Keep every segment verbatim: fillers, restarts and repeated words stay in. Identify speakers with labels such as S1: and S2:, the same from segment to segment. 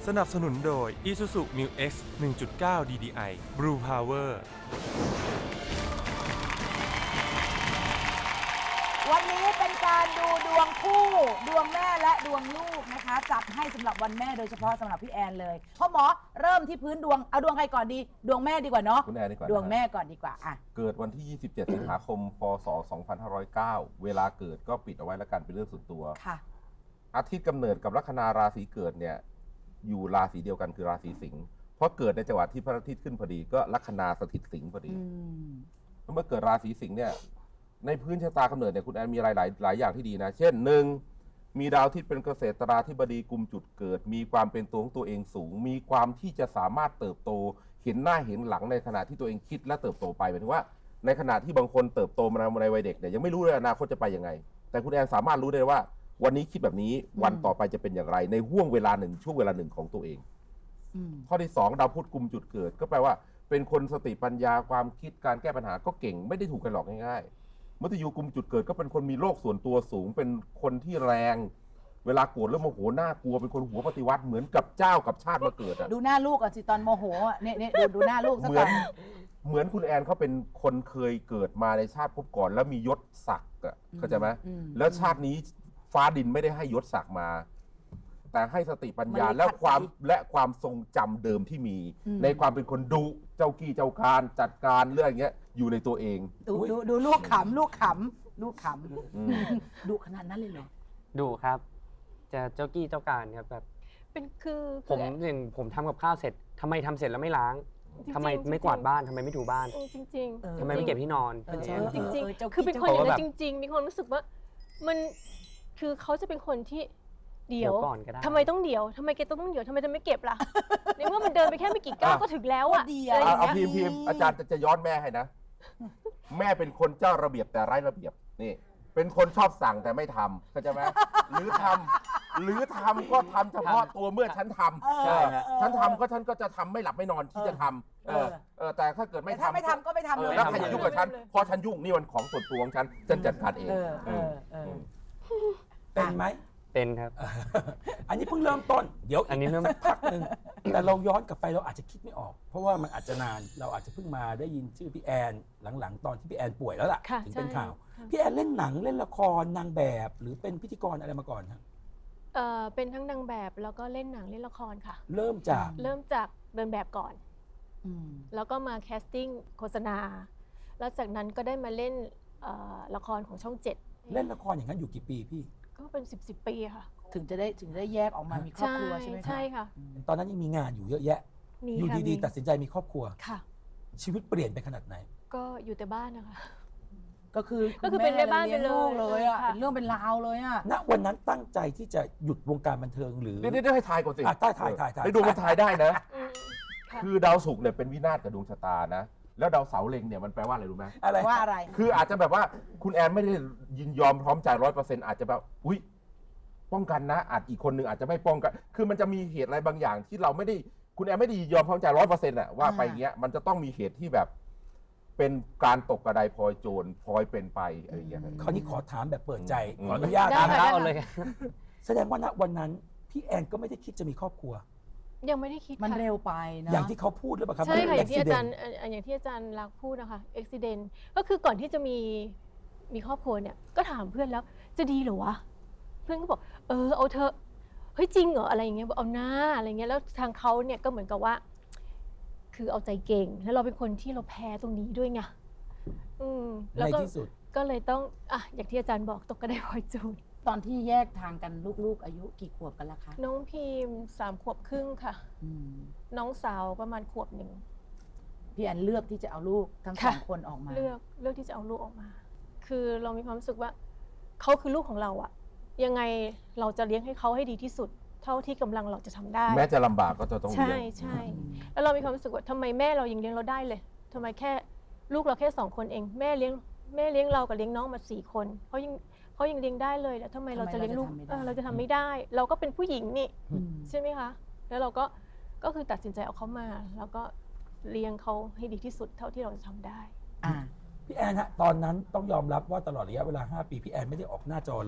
S1: สนับสนุนโดย Isuzu Mu X หนึ่งจุดเก้า ดี ดี ไอ Blue Power
S2: วันนี้เป็นการดูดวงคู่ ดวงแม่และดวงลูกนะคะ จัดให้สำหรับวันแม่โดยเฉพาะสำหรับพี่แอนเลยพ่อหมอเริ่มที่พื้นดวงเอาดวงใครก่อนดีดวงแม่ดีกว่าเนาะ
S3: คุณแอนดีกว่า
S2: ดวงแม่ก่อนดีกว่าอ่ะ
S3: เกิดวันที่ ยี่สิบเจ็ด สิงหาคม พศ สองพันห้าร้อยเก้า เวลาเกิดก็ปิดเอาไว้แล้วกันเป็นเรื่องส่วนตัว
S2: ค่ะ
S3: อาทิตย์กำเนิดกับลัคนาราศีเกิดเนี่ยอยู่ราศีเดียวกันคือราศีสิงห์เพราะเกิดในจังหวะที่พระอาทิตย์ขึ้นพอดีก็ลัคนาสถิตสิงห์พอดี
S2: อืม
S3: เมื่อเกิดราศีสิงห์เนี่ยในพื้นชะตากำเนิดเนี่ยคุณแอนมีหลายหลายหลายอย่างที่ดีนะเช่นหนึ่งมีดาวอาทิตย์เป็นเกษตราธิบดีกุมจุดเกิด มีความเป็นตัวของตัวเองสูง มีความที่จะสามารถเติบโตเห็นหน้าเห็นหลังในขณะที่ตัวเองคิดและเติบโตไปหมายถึงว่าในขณะที่บางคนเติบโตมาในวัยเด็กเนี่ยยังไม่รู้เลยอนาคตจะไปยังไงแต่คุณแอนสามารถรู้ได้ว่าวันนี้คิดแบบนี้วันต่อไปจะเป็นอย่างไรในห่วงเวลาหนึ่งช่วงเวลาหนึ่งของตัวเอง
S2: อืม
S3: ข้อที่สองดาวพุธกุมจุดเกิดก็แปลว่าเป็นคนสติปัญญาความคิดการแก้ปัญหาก็เก่งไม่ได้ถูกกันหลอกง่ายๆมัตยูกุมจุดเกิดก็เป็นคนมีโลกส่วนตัวสูงเป็นคนที่แรงเวลาโกรธแล้วโมโหน่ากลัวเป็นคนหัวปฏิวัติเหมือนกับเจ้ากับชาติมาเกิดอะ
S2: ดูหน้าลูกก่อนสิตอนโมโหอ่ะเนี่ยเนี่ยดูดูหน้าลูกสัก
S3: เหมื
S2: ก่
S3: อ
S2: อน น
S3: เหมือนคุณแอนเขาเป็นคนเคยเกิดมาในชาติภพก่อนแล้วมียศศักดิ์อะเข้าใจไหม
S2: อืม
S3: แล้วชาตินี้ฟ้าดินไม่ได้ให้ยศศักดิ์มา แต่ให้สติปัญญา
S2: มันเลย
S3: และความ
S2: ขัดใจ
S3: และความทรงจำเดิมที่มี
S2: อืม
S3: ในความเป็นคนดุเจ้ากี้เจ้าการจัดการเรื่องอย่างเงี้ยอยู่ในตัวเอง
S2: ดูดูดูลูกขำลูกขำลูกข
S3: อืม
S2: ำดูขนาดนั้นเลยเหรอ
S4: ดูครับ จะเจ้ากี้เจ้าการครับแบบ
S5: เป็นคือ
S4: ผมอย่างผมทำกับข้าวเสร็จทำไมทำเสร็จแล้วไม่ล้าง
S5: จริงๆ
S4: ทำไมไม่กวาดบ้านทำไมไม่ถูบ้าน
S5: เออจริง
S2: เออ
S5: ๆ
S4: ทำไมไม่เก็บที่นอน
S2: เออ
S4: แค่นี้
S5: จริง
S2: เออเจ้า
S5: ๆ คือเป็นคน
S2: กี้
S5: อย่าง
S4: เจ้า
S5: นั้นจริง ๆ มีความรู้สึกว่ามันคือเขาจะเป็นคนที่เดี๋ยว
S4: เดี๋ยวก่อนก็ได้
S5: ทำไมต้องเดี๋ยวทำไมแกต้องเดี๋ยวทำไมจะไม่เก็บล่ะ ในเมื่อมันเดินไปแค่ไม่กี่ก้าว
S3: อ่ะ
S5: ก็ถึงแล้วอ่ะ
S2: ก็เดี๋ยว
S5: อะไรอ
S3: เอา
S5: ย่าง
S3: เอา
S5: เงี้ย
S3: พิมพ์พิมพ์อาจารย์จะจะย้อนแม่ให้นะ แม่เป็นคนเจ้าระเบียบแต่ไร้ระเบียบนี่เป็นคนชอบสั่งแต่ไม่ทำเข้าใจไหมหรือทำหรือทำก็ทำเฉพาะตัวเมื่อฉันทำ
S2: เออ
S3: เออ
S2: เออ
S3: ฉันทำก็ฉันก็จะทำไม่หลับไม่นอนที่จะทำเออเออแต่ถ้าเกิด
S2: ไม่
S3: ไม่
S2: ถ้า
S3: ทำ
S2: ไม่ทำก็ไม่ทำ
S3: เอ
S2: เล
S3: อย แล้วใครจะยุ่งกับฉัน
S5: เลย
S3: พอฉันยุ่งนี่มันของส่วนตัวของฉันฉันจัดการเอง
S2: เออเออเออ
S6: เป็นไหม
S4: เป็นครับ
S6: อันนี้เพิ่งเริ่มต้น เดี๋ยว
S4: อันนี้เริ่ม
S6: สักพักหนึ่งแต่เราย้อนกลับไปเราอาจจะคิดไม่ออก เพราะว่ามันอาจจะนาน เราอาจจะเพิ่งมาได้ยินชื่อพี่แอนหลังๆ ตอนที่พี่แอนป่วยแล้วล่ะ
S5: ค่ะ
S6: ถึงเป็น
S5: ใช่
S6: ข่าว
S5: ค่ะ
S6: พี่แอนเล่นหนังเล่นละครนางแบบ หรือเป็นพิธีกรอะไรมาก่อนฮะ
S5: เอ่อเป็นทั้งนางแบบแล้วก็เล่นหนังเล่นละครค่ะ
S6: เริ่มจาก
S5: เริ่มจากเดินแบบก่อน
S2: อืม
S5: แล้วก็มาแคสติ้งโฆษณา แล้วจากนั้นก็ได้มาเล่นเอ่อละครของช่องเจ็ด
S6: เล่นละครอย่างนั้นอยู่กี่ปีพี่
S5: ก็เป็นสิบสิบปีค่ะ
S2: ถึงจะได้ถึงจะได้แยกออกมามีครอบครัวใช่ไหมคะ
S5: ใช่ค่ะ
S6: ตอนนั้นยังมีงานอยู่เยอะแยะ
S5: มี
S6: อยู่
S5: ค่ะ
S6: ดี
S5: มี
S6: ๆ ตัดสินใจมีครอบครัว
S5: ค่ะ
S6: ชีวิตเปลี่ยนไปขนาดไหน
S5: ก็อยู่แต่บ้านนะคะ
S2: ก็คือ
S5: ก็คือเป็นแม่บ้านไปเลย
S2: ลี้งกเลยอ่ะ
S5: ค่ะ
S2: เป็นเรื่องเป็นราวเลยอ่ะ
S6: ณวันนั้นตั้งใจที่จะหยุดวงการบันเทิงหรือ
S3: เดี๋ยวเดี๋ยวให้ทายก่อนสิ
S6: อ่ะถ่ายถ่ายถ่ายถ่าย
S3: ไอ้ดวงมันทายได้นะ
S5: อืมค่ะ
S3: คือดาวศุกร์เนี่ยเป็นวินาศกับดวงชะตานะ แล้วดาวเสาร์เล็งเนี่ยมันแปลว่าอะไรรู้ไหม
S6: อะไร
S2: ว่าอะไร
S3: คืออาจจะแบบว่าคุณแอนไม่ได้ยินยอมพร้อมใจร้อยเปอร์เซ็นต์อาจจะแบบอุ้ยป้องกันนะอาจอีกคนหนึ่งอาจจะไม่ป้องกัน คือมันจะมีเหตุอะไรบางอย่างที่เราไม่ได้คุณแอนไม่ได้ยินยอมพร้อมใจร้อยเปอร์เซ็นต์อะว่าไปเงี้ยมันจะต้องมีเหตุที่แบบ เป็นการตกกระไดพลอยโจรพลอยเป็นไปอะไรอย่างเงี้ย
S6: คราวนี้ขอถามแบบเปิดใจ
S3: อืม
S6: ขออนุญาต
S5: ได้
S4: ตาม
S6: นะ
S5: ค่ะ
S4: เท้าเอาเลย
S6: แสดงว่าณวันนั้น พี่แอนก็ไม่ได้คิดจะมีครอบครัว
S5: ยังไม่ได้คิด
S2: มัน
S5: ค่ะ
S2: เร็วไปนะ
S6: อย่างที่เขาพูดหรือเปล่าครับ
S5: ใช่ค่ะอย่างที่อาจาร
S6: accident
S5: ย์เอ่ออย่างที่อาจารย์รักพูดนะคะอุบิเหตุก็คือก่อนที่จะมีมีครอบครัวเนี่ยก็ถามเพื่อนแล้วจะดีเหรอวะเพื่อนก็บอกเออเอาเถอะเฮ้ยจริงเหรออะไรอย่างเงี้ยบอกเอาหน้าอะไรเงี้ยแล้วทางเขาเนี่ยก็เหมือนกับว่า คือเอาใจเก่งแล้วเราเป็นคนที่เราแพ้ตรงนี้ด้วยไงอืมแล้ว
S6: ใน
S5: ก็
S6: ที่สุด
S5: ก็เลยต้องอ่ะอย่างที่อาจารย์บอกตกกระไดพลอยโจร
S2: ตอนที่แยกทางกันลูกๆ อายุกี่ขวบกันละคะ
S5: น้องพิมพ์สามขวบครึ่งค่ะ
S2: อืม
S5: น้องสาวประมาณขวบหนึ่ง
S2: พี่แอนเลือกที่จะเอาลูกทั้งส
S5: ค่ะ
S2: องคนออกมา
S5: เลือกเลือกที่จะเอาลูกออกมา คือเรามีความรู้สึกว่าเขาคือลูกของเราอะยังไงเราจะเลี้ยงให้เขาให้ดีที่สุด เท่าที่กำลังเราจะทำได้
S3: แม้จะลำบากก็จะต้อง
S5: ใช่
S3: เลี้ยง
S5: ใช่ แล้วเรามีความรู้สึกว่าทำไมแม่เรายังเลี้ยงเราได้เลยทำไมแค่ลูกเราแค่สองคนเอง แม่เลี้ยงแม่เลี้ยงเรากับเลี้ยงน้องมาสี่คนเขายังเขายังเลี้ยงได้เลยแล้วทำไมเราจะเลี้ยงลูกเออเราจะทำไม่ได้ เราก็เป็นผู้หญิงนี่
S2: อืม
S5: ใช่ไหมคะ แล้วเราก็ก็คือตัดสินใจเอาเขามา แล้วก็เลี้ยงเขาให้ดีที่สุดเท่าที่เราจะทำได้
S2: อ่า
S6: พี่แอนฮะตอนนั้นต้องยอมรับว่าตลอดระยะเวลาห้าปีพี่แอนไม่ได้ออกหน้าจอเลย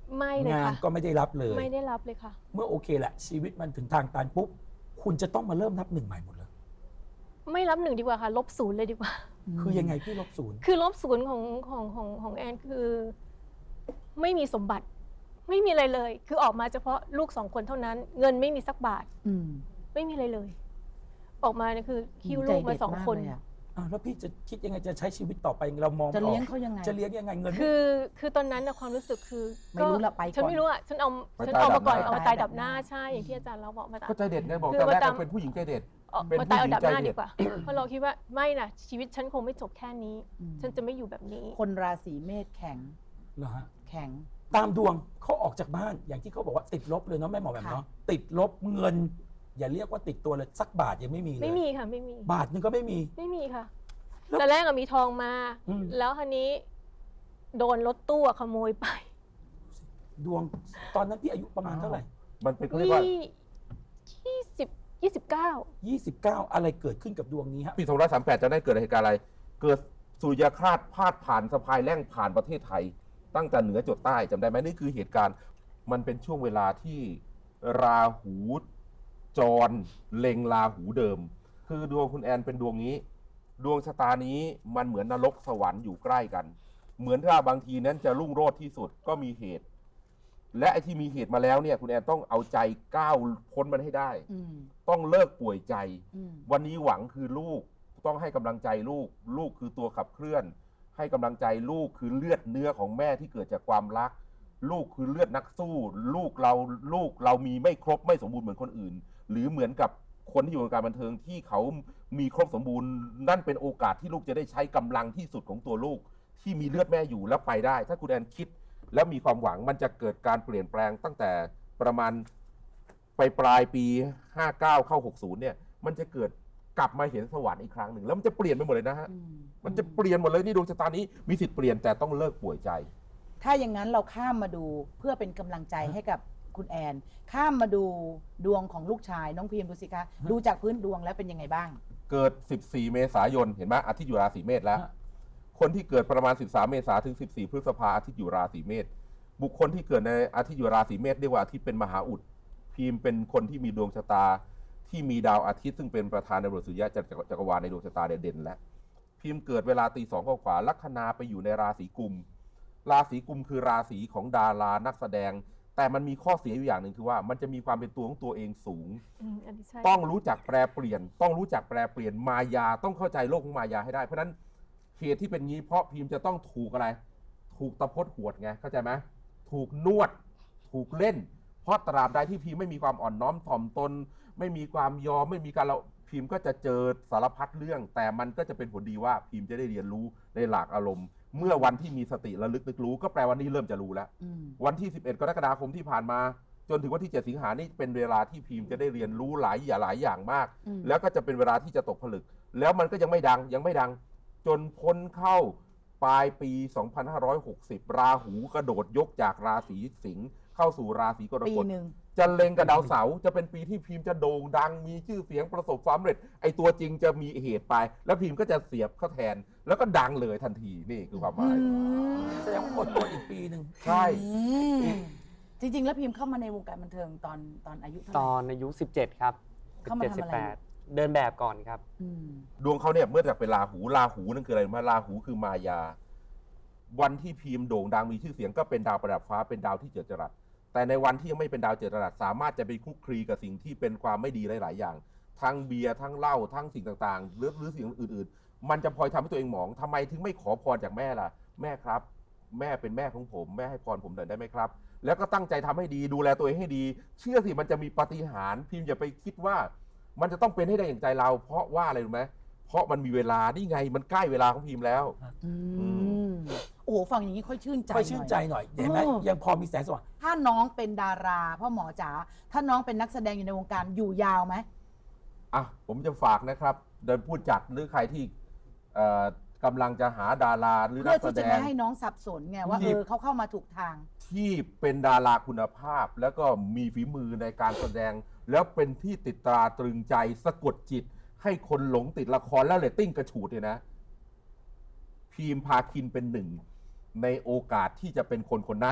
S5: ไม่เลย
S6: งาน
S5: ค่ะ
S6: ก็ไม่ได้รับเลย
S5: ไม่ได้รับเลยค่ะ
S6: เมื่อโอเคแหละชีวิตมันถึงทางตันปุ๊บคุณจะต้องมาเริ่มนับหนึ่งใหม่หมดเลย
S5: ไม่รับหนึ่งดีกว่าค่ะ ลบศูนย์เลยดีกว่า
S6: คือยังไงพี่ลบศูนย์
S5: คือลบศูนย์ของของของของแอนคือ ไม่มีสมบัติ ไม่มีอะไรเลย คือออกมาเฉพาะลูกสองคนเท่านั้น เงินไม่มีสักบาท
S2: อืม
S5: ไม่มีอะไรเลย ออกมาเนี่ยคือคิวลูกมาสองคน
S2: ใจเด็ดมากเลยอะ
S6: อ่ะแล้วพี่จะคิดยังไงจะใช้ชีวิตต่อไปเรามอง
S2: จะเลี้ยง
S6: ออก
S2: เขายังไง
S6: จะเลี้ยงยังไงเงินไม่
S5: คือคือตอนนั้นนะความรู้สึกคือ
S2: ไม่รู้ละไปก่อน
S5: ฉันไม่รู้อ่ะฉันเอา
S3: ไป
S5: ฉัน
S3: ตาย
S5: เอามาก่อน
S3: ดับหน้า
S5: เอามาตายดับหน้าใช่อย่างที่อาจารย์เราบอกมา
S3: ก็ใจเด็ดไงบอก
S5: คือ
S3: แต่แรก
S5: มาตาม
S3: ก็เป็นผู้หญิงใจเด็ด
S5: เอา
S3: เป็น
S5: มาตายเอาดับหน้า
S3: ผู้หญิงใจเด็
S5: ดี
S3: ด
S5: กว่า เพราะเราคิดว่าไม่นะชีวิตฉันคงไม่จบแค่นี้
S2: อืม
S5: ฉันจะไม่อยู่แบบนี้
S2: คนราศีเมษแข็ง
S6: เหรอฮะ
S2: แข็ง
S6: ตามดวงเขาออกจากบ้านอย่างที่เขาบอกว่าติดลบเลยเนาะแม่หมอแบบเนาะติดลบเงิน อย่าเรียกว่าติดตัวเลยสักบาทยังไม่มีเลย
S5: ไม่มีค่ะไม่มี
S6: บาทหนึงก็ไม่มี
S5: ไม่มีค่ะ
S6: แล้ว
S5: แต่แรกอะมีทองมา
S6: อืม
S5: แล้วคันนี้ โดนรถตู้อะขโมยไป
S6: ดวงตอนนั้นพี่อายุประมาณเท่าไหร่
S3: มันเป็นเขาเรียกว่า
S5: ยี่ยี่สิบยี่สิบเก้า
S6: ยี่สิบเก้าอะไรเกิดขึ้นกับดวงนี้ฮะ
S3: ปีสองร้อยสามสิบแปดจะได้เกิดเหตุการณ์อะไร เกิดสุริยคราสพาดผ่านสะพายแล่งผ่านประเทศไทย ตั้งแต่เหนือจดใต้จำได้ไหมนี่คือเหตุการณ์ มันเป็นช่วงเวลาที่ราหูจรเล็งราหูเดิม คือดวงคุณแอนเป็นดวงนี้ ดวงชะตานี้มันเหมือนนรกสวรรค์อยู่ใกล้กัน เหมือนถ้าบางทีนั้นจะรุ่งโรจน์ที่สุดก็มีเหตุ และไอ้ที่มีเหตุมาแล้วเนี่ยคุณแอนต้องเอาใจก้าวพ้นมันให้ได้
S2: อืม
S3: ต้องเลิกป่วยใจ
S2: อืม
S3: วันนี้หวังคือลูกต้องให้กำลังใจลูก ลูกคือตัวขับเคลื่อน ให้กำลังใจลูกคือเลือดเนื้อของแม่ที่เกิดจากความรัก ลูกคือเลือดนักสู้ ลูกเราลูกเรามีไม่ครบไม่สมบูรณ์เหมือนคนอื่น หรือเหมือนกับคนที่อยู่ในการบันเทิงที่เขามีครบสมบูรณ์ นั่นเป็นโอกาสที่ลูกจะได้ใช้กำลังที่สุดของตัวลูก ที่มีเลือดแม่อยู่แล้วไปได้ ถ้าคุณแอนคิด แล้วมีความหวังมันจะเกิดการเปลี่ยนแปลงตั้งแต่ประมาณไปปลายปีห้าเก้าเข้าหกสิบเนี่ยมันจะเกิดกลับมาเห็นสวรรค์อีกครั้งหนึ่งแล้วมันจะเปลี่ยนไปหมดเลยนะฮะ
S2: อืม
S3: มันจะเปลี่ยนหมดเลยนี่ดวงชะตานี้มีสิทธิ์เปลี่ยนแต่ต้องเลิกป่วยใจ
S2: ถ้าอย่างนั้นเราข้ามมาดูเพื่อเป็นกำลังใจให้กับคุณแอน ข้ามมาดูดวงของลูกชายน้องพีมดูสิคะ ดูจากพื้นดวงแล้วเป็นยังไงบ้าง
S3: เกิดสิบสี่เมษายนเห็นไหมอาทิตย์อยู่ราศีเมษแล้ว
S6: ฮะ
S3: คนที่เกิดประมาณสิบสามเมษาถึงสิบสี่พฤษภาอาทิตย์อยู่ราศีเมษบุคคลที่เกิดในอาทิตย์อยู่ราศีเมษเรียกว่าอาทิตย์เป็นมหาอุดพีมเป็นคนที่มีดวงชะตาที่มีดาวอาทิตย์ซึ่งเป็นประธานในบทสุริยะจักรจักรวาลในดวงชะตาเด่นๆแล้วพีมเกิดเวลาตีสองข้อขวาลัคนาไปอยู่ในราศีกุมราศีกุมคือราศีของดารานักแสดง แต่มันมีข้อเสียอยู่อย่างหนึ่งคือว่ามันจะมีความเป็นตัวของตัวเองสูง
S5: อืมอันนี้ใช่
S3: ต้องรู้จักแปรเปลี่ยน ต้องรู้จักแปรเปลี่ยนมายาต้องเข้าใจโลกของมายาให้ได้เพราะฉะนั้นเหตุที่เป็นงี้เพราะพีมจะต้องถูกอะไร ถูกตะพดหวดไงเข้าใจไหมถูกนวด ถูกเล่น เพราะตราบใดที่พีมไม่มีความอ่อนน้อมถ่อมตน ไม่มีความยอมไม่มีการเราพีมก็จะเจอสารพัดเรื่อง แต่มันก็จะเป็นผลดีว่าพีมจะได้เรียนรู้ในหลากอารมณ์ เมื่อวันที่มีสติระลึกนึกรู้ก็แปลวันนี้เริ่มจะรู้แล้ว
S2: อืม
S3: วันที่สิบเอ็ดกรกฎาคมที่ผ่านมา จนถึงวันที่เจ็ดสิงหานี่เป็นเวลาที่พีมจะได้เรียนรู้หลายอย่างหลายอย่างมาก
S2: อืม
S3: แล้วก็จะเป็นเวลาที่จะตกผลึก แล้วมันก็ยังไม่ดังยังไม่ดัง จนพ้นเข้าปลายปี สองพันห้าร้อยหกสิบ ราหูกระโดดยกจากราศีสิงห์เข้าสู่ราศีกร
S2: ปี
S3: กฎ
S2: หนึ่ง
S3: จะเล็งกับดาวเสาร์จะเป็นปีที่พีมจะโด่งดังมีชื่อเสียงประสบความสำเร็จไอตัวจริงจะมีเหตุไป แล้วพีมก็จะเสียบเข้าแทน แล้วก็ดังเลยทันทีนี่คือความหมาย
S6: แสดงว่าอดทนอีกปีหนึ่ง
S3: ใช่
S2: อืมจริง ๆ แล้วพิมพ์เข้ามาในวงการบันเทิงตอนตอนอายุเท่าไห
S4: ต
S2: ร่
S4: อนอายุสิบเจ็ดครับ
S2: เข้ามาทำอะไร
S4: สิบแปดเดินแบบก่อนครับ
S2: อืม
S3: ดวงเขาเนี่ยเมื่อจากเป็นราหูราหูนั่นคืออะไรมาราหูคือมายา วันที่พีมโด่งดังมีชื่อเสียงก็เป็นดาวประดับฟ้าเป็นดาวที่เจิดจรัสแต่ในวันที่ยังไม่เป็นดาวเจิดจรัสสามารถจะไปคลุกคลีกับสิ่งที่เป็นความไม่ดีหลาย ๆ อย่าง ทั้งเบียร์ทั้งเหล้าทั้งสิ่งต่างๆหรือหรือสิ่งอื่น ๆ มันจะพลอยทำให้ตัวเองหมองทำไมถึงไม่ขอพรจากแม่ล่ะ แม่ครับ แม่เป็นแม่ของผมแม่ให้พรผมหน่อยได้ไหมครับ แล้วก็ตั้งใจทำให้ดีดูแลตัวเองให้ดี เชื่อสิมันจะมีปาฏิหาริย์พิมพ์อย่าไปคิดว่า มันจะต้องเป็นให้ได้อย่างใจเรา เพราะว่าอะไรรู้ไหมเพราะมันมีเวลานี่ไงมันใกล้เวลาของพิมพ์แล้ว
S2: อืมโอ้โหฟังอย่างนี้ค่อยชื่นใจ
S6: ค่อยชื่นใจ
S2: หน่อย
S6: หน่อยเห็นไหม
S2: เออ
S6: ยังพอมีแสงสว่าง
S2: ถ้าน้องเป็นดาราพ่อหมอจ๋าถ้าน้องเป็นนักแสดงอยู่ในวงการอยู่ยาวไหม
S3: อ่ะผมจะฝากนะครับโดยผู้จัดหรือใครที่เอ่อกำลังจะหาดาราหรือนั
S2: เพื่อก
S3: แส
S2: ที่
S3: ด
S2: จะ
S3: ง
S2: ไม่ให้น้องสับสนไงว่า
S3: ที่
S2: เออเขาเข้ามาถูกทาง
S3: ที่เป็นดาราคุณภาพ แล้วก็มีฝีมือในการแสดง แล้วเป็นที่ติดตราตรึงใจสะกดจิต ให้คนหลงติดละครแล้วเรตติ้งกระฉูดเนี่ยนะ พีมพาคินเป็นหนึ่ง ในโอกาสที่จะเป็นคนคนนั้น
S2: อ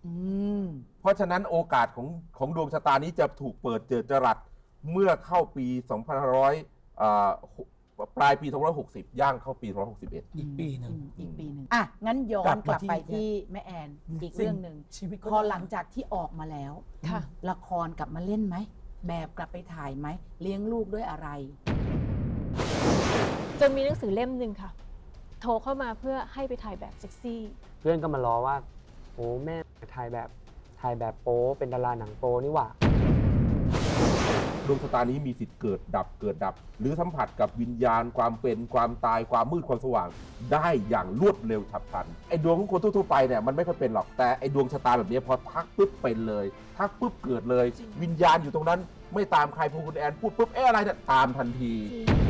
S2: อืม
S3: เพราะฉะนั้นโอกาสของของดวงชะตานี้จะถูกเปิดเจอจรัสเมื่อเข้าปี สองพันห้าร้อย อ่าปลายปี สองพันห้าร้อยหกสิบ ย่างเข้าปี สองพันห้าร้อยหกสิบเอ็ด
S6: อีกปีหนึ่ง
S2: อืมอีกปีหนึ่งอ่ะ งั้นย้อก
S6: ลั
S2: น
S6: บ
S2: ก
S6: มา
S2: ลับไป
S6: ที่
S2: ที่แม่แอนอีกเรื่องหนึ่ง
S6: ชีวิตก็
S2: พอหลังจากที่ออกมาแล้ว
S5: ค่ะ
S2: ละครกลับมาเล่นไหม แบบกลับไปถ่ายไหม เลี้ยงลูกด้วยอะไร
S5: จนมีหนังสือเล่มหนึ่งค่ะ โทรเข้ามาเพื่อให้ไปถ่ายแบบเซ็กซี่
S4: เพื่อนก็มาล้อว่าโอ้แม่ถ่ายแบบถ่ายแบบโป๊เป็นดาราหนังโป๊นี่หว่า
S3: ดวงชะตานี้มีสิทธิ์เกิดดับเกิดดับ หรือสัมผัสกับวิญญาณความเป็นความตายความมืดความสว่าง ได้อย่างรวดเร็วฉับพลันไอ้ดวงของคนทั่วๆไปเนี่ยมันไม่ค่อยเป็นหรอกแต่ไอ้ดวงชะตาแบบนี้พอทักปุ๊บเป็นเลย ทักปุ๊บเกิดเลย วิญญาณอยู่ตรงนั้นไม่ตามใครพอคุณแอนพูดปุ๊บเอ๊ะอะไรเนี่ยตามทันที
S5: จริง